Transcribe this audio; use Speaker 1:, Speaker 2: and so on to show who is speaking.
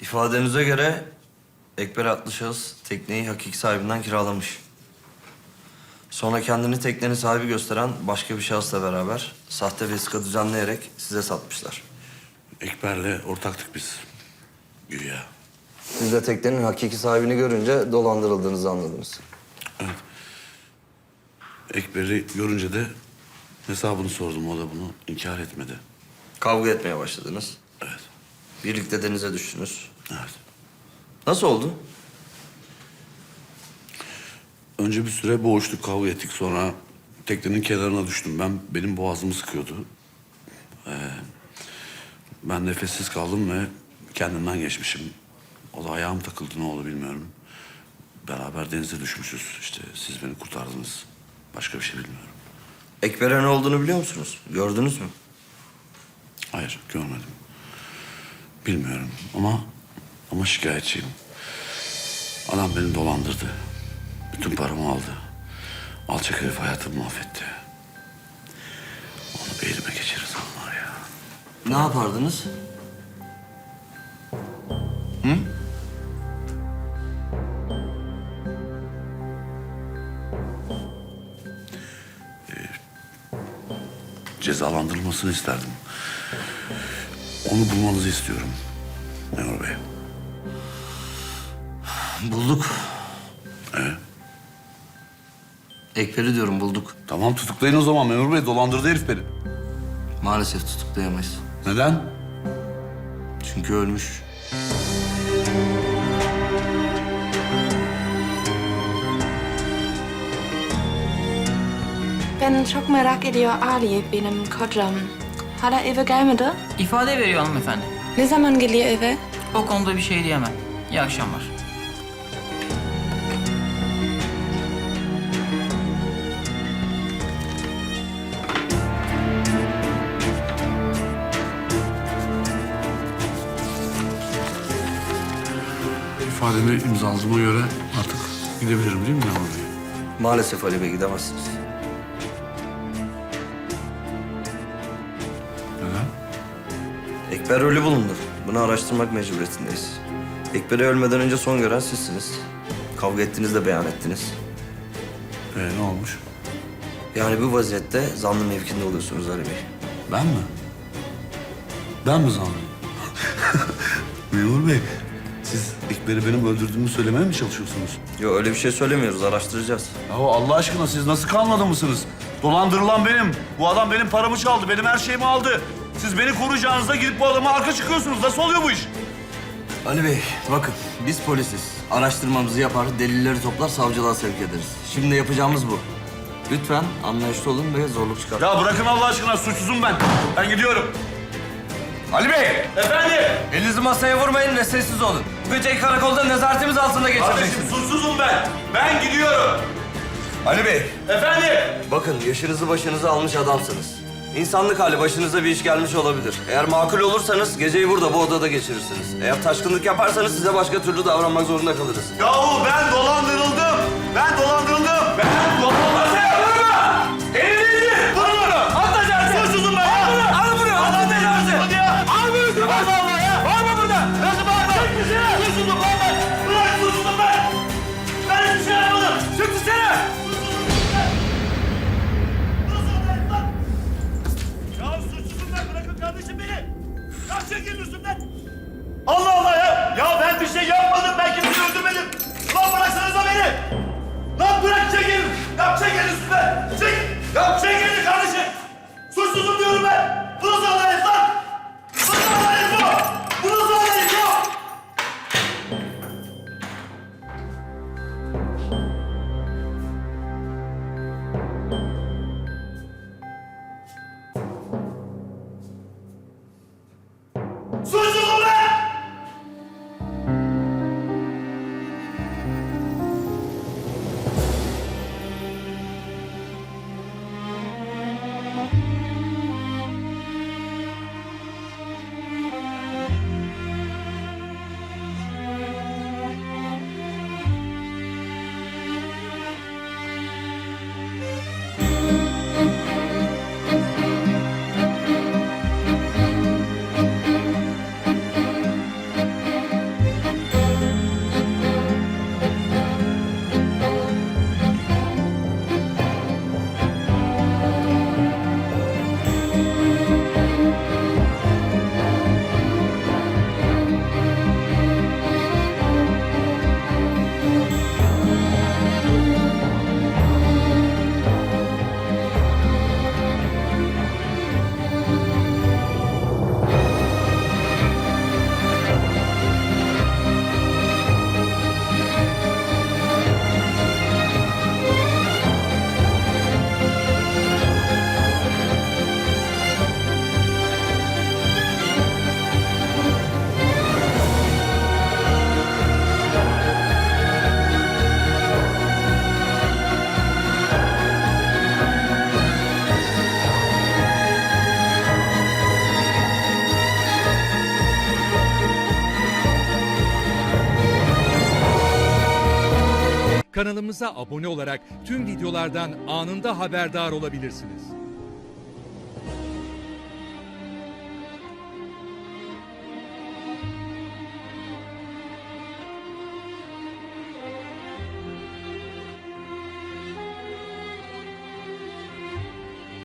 Speaker 1: İfadenize göre Ekber adlı şahıs tekneyi hakiki sahibinden kiralamış. Sonra kendini teknenin sahibi gösteren başka bir şahısla beraber sahte vesika düzenleyerek size satmışlar.
Speaker 2: Ekber'le ortaktık biz. Güya.
Speaker 1: Siz de teknenin hakiki sahibini görünce dolandırıldığınızı anladınız.
Speaker 2: Evet. Ekber'i görünce de hesabını sordum. O da bunu inkar etmedi.
Speaker 1: Kavga etmeye başladınız.
Speaker 2: Evet.
Speaker 1: Birlikte denize düştünüz.
Speaker 2: Evet.
Speaker 1: Nasıl oldu?
Speaker 2: Önce bir süre boğuştuk, kavga ettik. Sonra teknenin kenarına düştüm. Benim boğazımı sıkıyordu. Ben nefessiz kaldım ve kendimden geçmişim. O da ayağım takıldı, ne oldu bilmiyorum. Beraber denize düşmüşüz. İşte siz beni kurtardınız. Başka bir şey bilmiyorum.
Speaker 1: Ekber'e ne olduğunu biliyor musunuz? Gördünüz mü?
Speaker 2: Hayır, görmedim. Bilmiyorum ama şikayetçiyim. Adam beni dolandırdı. Bütün paramı aldı. Alçak herif hayatımı mahvetti. Onu bir elime geçirirsem var ya.
Speaker 1: Ne yapardınız? Hı?
Speaker 2: Cezalandırılmasını isterdim. Onu bulmanızı istiyorum. Memur Bey.
Speaker 1: Bulduk. Ekber'i diyorum bulduk.
Speaker 2: Tamam, tutuklayın o zaman Memur Bey. Dolandırdı herif beni.
Speaker 1: Maalesef tutuklayamayız.
Speaker 2: Neden?
Speaker 1: Çünkü ölmüş.
Speaker 3: Ben çok merak ediyor Ali, benim kocam. Hala eve gelmedi.
Speaker 4: İfade veriyor hanımefendi.
Speaker 3: Ne zaman geliyor eve?
Speaker 4: O konuda bir şey diyemem. İyi akşamlar.
Speaker 2: İfademi imzaladığıma göre artık gidebilirim değil mi Memur Bey?
Speaker 1: Maalesef Ali Bey gidemezsiniz.
Speaker 2: Neden?
Speaker 1: Ekber ölü bulundu. Bunu araştırmak mecburiyetindeyiz. Ekber'i ölmeden önce son gören sizsiniz. Kavga ettiniz de beyan ettiniz.
Speaker 2: Ne olmuş?
Speaker 1: Yani bu vaziyette zanlı mevkinde oluyorsunuz Ali Bey.
Speaker 2: Ben mi? Ben mi zanlıyım? Memur Bey, siz Ekber'i benim öldürdüğümü söylemeye mi çalışıyorsunuz?
Speaker 1: Yok öyle bir şey söylemiyoruz, araştıracağız.
Speaker 2: Ya Allah aşkına siz nasıl kalmadı mısınız? Dolandırılan benim. Bu adam benim paramı çaldı, benim her şeyimi aldı. Siz beni koruyacağınızda gidip bu adama arka çıkıyorsunuz. Nasıl oluyor bu iş?
Speaker 1: Ali Bey, bakın biz polisiz. Araştırmamızı yapar, delilleri toplar, savcılığa sevk ederiz. Şimdi yapacağımız bu. Lütfen anlayışlı olun ve zorluk çıkartmayın.
Speaker 2: Ya bırakın Allah aşkına, suçsuzum ben. Ben gidiyorum.
Speaker 1: Ali Bey!
Speaker 2: Efendim?
Speaker 1: Elinizi masaya vurmayın ve sessiz olun. Bu geceyi karakolda nezaretimiz altında
Speaker 2: Kardeşim
Speaker 1: geçireceksiniz.
Speaker 2: suçsuzum ben. Ben gidiyorum.
Speaker 1: Ali Bey,
Speaker 2: Efendim?
Speaker 1: bakın yaşınızı başınıza almış adamsınız. İnsanlık hali başınıza bir iş gelmiş olabilir. Eğer makul olursanız geceyi burada bu odada geçirirsiniz. Eğer taşkınlık yaparsanız size başka türlü davranmak zorunda kalırız.
Speaker 2: Yahu ben dolandırıldım. Ben dolandırıldım. Ben dolandırıldım. Elini vurun onu. Atla canım. Suçsuzum ben. Al bunu. Atla canım. Hadi ya. Al bunu. Allah Allah ya. Var mı burada? Nasıl bağırma? Çık dışarı. Suçsuzum lan ben. Bırak suçsuzum ben. Ben hiçbir şey yapmadım. Çık dışarı. Ya suçsuzum ben. Bırakın kardeşim beni. Ya çekilin üstümden. Allah Allah ya. Ya ben bir şey yapmadım. Ben kimseyi öldürmedim. Lan bıraksanıza beni. Lan bırak çekil. Ya çekil üstümden. Çek. Ya çekil kardeşim. Suçsuzum diyorum ben. Bu nasıl adalet lan? Bu nasıl adalet bu? Bu nasıl adalet bu? Suçsuzum ben!
Speaker 5: Kanalımıza abone olarak tüm videolardan anında haberdar olabilirsiniz.